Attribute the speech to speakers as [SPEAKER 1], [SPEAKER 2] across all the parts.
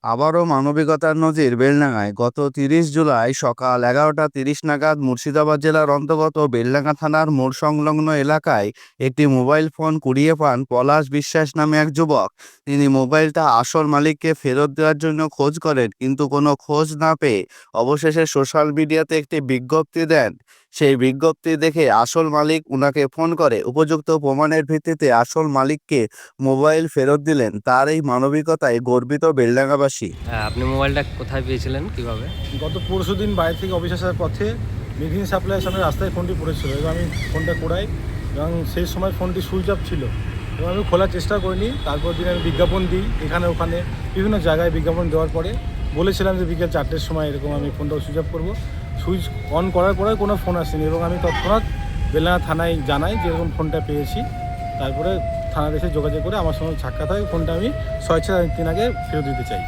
[SPEAKER 1] আবারও মানবিকতার নজির বেলডাঙায় গত ৩০ জুলাই সকাল ১১টা ৩০ নাগাদ মুর্শিদাবাদ জেলার অন্তর্গত বেলডাঙা থানার মোড় সংলগ্ন এলাকায় একটি মোবাইল ফোন কুড়িয়ে পান পলাশ বিশ্বাস নামে এক যুবক। তিনি মোবাইলটা আসল মালিককে ফেরত দেওয়ার জন্য খোঁজ করেন, কিন্তু কোনো খোঁজ না পেয়ে অবশেষে সোশ্যাল মিডিয়াতে একটি বিজ্ঞপ্তি দেন। সেই বিজ্ঞপ্তি দেখে আসল মালিক উনাকে ফোন করে উপযুক্ত প্রমাণের ভিত্তিতে আসল মালিককে মোবাইল ফেরত দিলেন। তার এই মানবিকতায় গর্বিত বেলডাঙ্গাবাসী।
[SPEAKER 2] হ্যাঁ, আপনি মোবাইলটা কোথায় পেয়েছিলেন, কিভাবে?
[SPEAKER 3] গত পরশুদিন বাইরে থেকে অফিস আসার পথে মেঘিন সাপ্লাইয়ের সামনে রাস্তায় ফোনটি পড়েছিল এবং আমি ফোনটা কুড়াই এবং সেই সময় ফোনটি সুইচ অফ ছিল এবং আমি খোলার চেষ্টা করিনি। তারপর দিন আমি বিজ্ঞাপন দিই, এখানে ওখানে বিভিন্ন জায়গায় বিজ্ঞাপন দেওয়ার পরে বলেছিলাম যে বিকেল 4টের সময় এরকম আমি ফোনটা সুইচ অফ করবো। সুইচ অন করার পরে কোনো ফোন আসেনি এবং আমি তৎক্ষণাৎ বেলডাঙা থানায় জানাই যে এরকম ফোনটা পেয়েছি। তারপরে থানাতে এসে যোগাযোগ করে আমার সঙ্গে সাক্ষাৎ হয়, ফোনটা আমি 6-6 দিন আগে ফেরত দিতে চাই।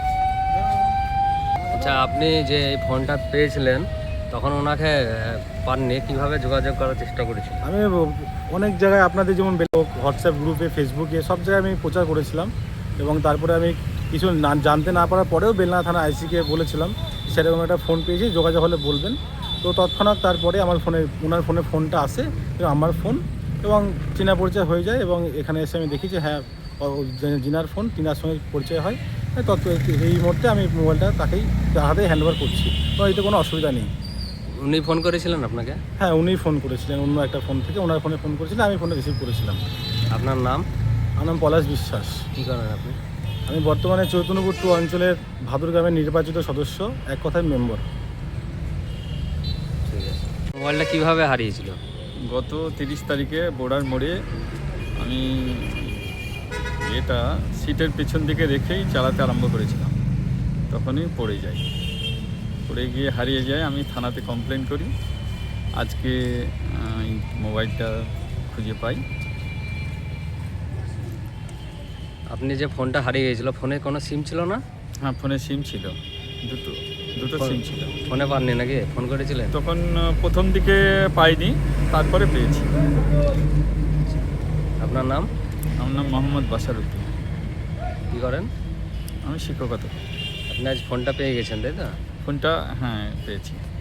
[SPEAKER 2] আচ্ছা, আপনি যে এই ফোনটা পেয়েছিলেন তখন ওনাকে পাননি, কিভাবে যোগাযোগ করার চেষ্টা করেছিলেন?
[SPEAKER 3] আমি অনেক জায়গায় আপনাদের যেমন হোয়াটসঅ্যাপ গ্রুপে, ফেসবুকে সব জায়গায় আমি প্রচার করেছিলাম এবং তারপরে আমি কিছু জানতে না পারার পরেও বেলডাঙা থানা আইসিকে বলেছিলাম সেরকম একটা ফোন পেয়েছি, যোগাযোগ হলে বলবেন। তো তৎক্ষণাৎ তারপরে আমার ফোনে ওনার ফোনটা আসে এবং আমার ফোন এবং চেনা পরিচয় হয়ে যায় এবং এখানে এসে আমি দেখি যে হ্যাঁ জিনার ফোন, টিনার সঙ্গে পরিচয় হয়। এই মুহূর্তে আমি মোবাইলটা তার হাতে হ্যান্ডওভার করছি, তো এতে কোনো অসুবিধা নেই।
[SPEAKER 2] উনি ফোন করেছিলেন আপনাকে?
[SPEAKER 3] হ্যাঁ, উনিই ফোন করেছিলেন, অন্য একটা ফোন থেকে ওনার ফোনে ফোন করেছিলেন, আমি ফোনে রিসিভ করেছিলাম।
[SPEAKER 2] আপনার নাম?
[SPEAKER 3] আমার নাম পলাশ বিশ্বাস।
[SPEAKER 2] কী করেন আপনি?
[SPEAKER 3] আমি বর্তমানে চৈতন্যপুর 2 অঞ্চলের ভাদুর গ্রামের নির্বাচিত সদস্য, এক কথায় মেম্বার।
[SPEAKER 2] ঠিক আছে। মোবাইলটা কিভাবে হারিয়েছিল?
[SPEAKER 4] গত 30 তারিখে বোর্ডার মোড়ে আমি এটা সিটের পেছন দিকে রেখেই চালাতে আরম্ভ করেছিলাম, তখনই পড়ে যাই। পড়ে গিয়ে হারিয়ে যায়। আমি থানাতে কমপ্লেন করি। আজকে এই মোবাইলটা খুঁজে পাই।
[SPEAKER 2] আপনি যে ফোনটা হারিয়ে গিয়েছিল, ফোনে কোনো সিম ছিল না?
[SPEAKER 4] হ্যাঁ, ফোনে সিম ছিল, দুটো সিম ছিল।
[SPEAKER 2] ফোনে পাননি নাকি? ফোন করেছিলেন?
[SPEAKER 4] তখন প্রথম দিকে পাইনি, তারপরে পেয়েছি।
[SPEAKER 2] আপনার নাম?
[SPEAKER 4] আমার নাম মোহাম্মদ বাসারউদ্দিন।
[SPEAKER 2] কী করেন?
[SPEAKER 4] আমি শিক্ষকতা।
[SPEAKER 2] আপনি আজ ফোনটা পেয়ে গেছেন, তাই তো?
[SPEAKER 4] ফোনটা হ্যাঁ পেয়েছি।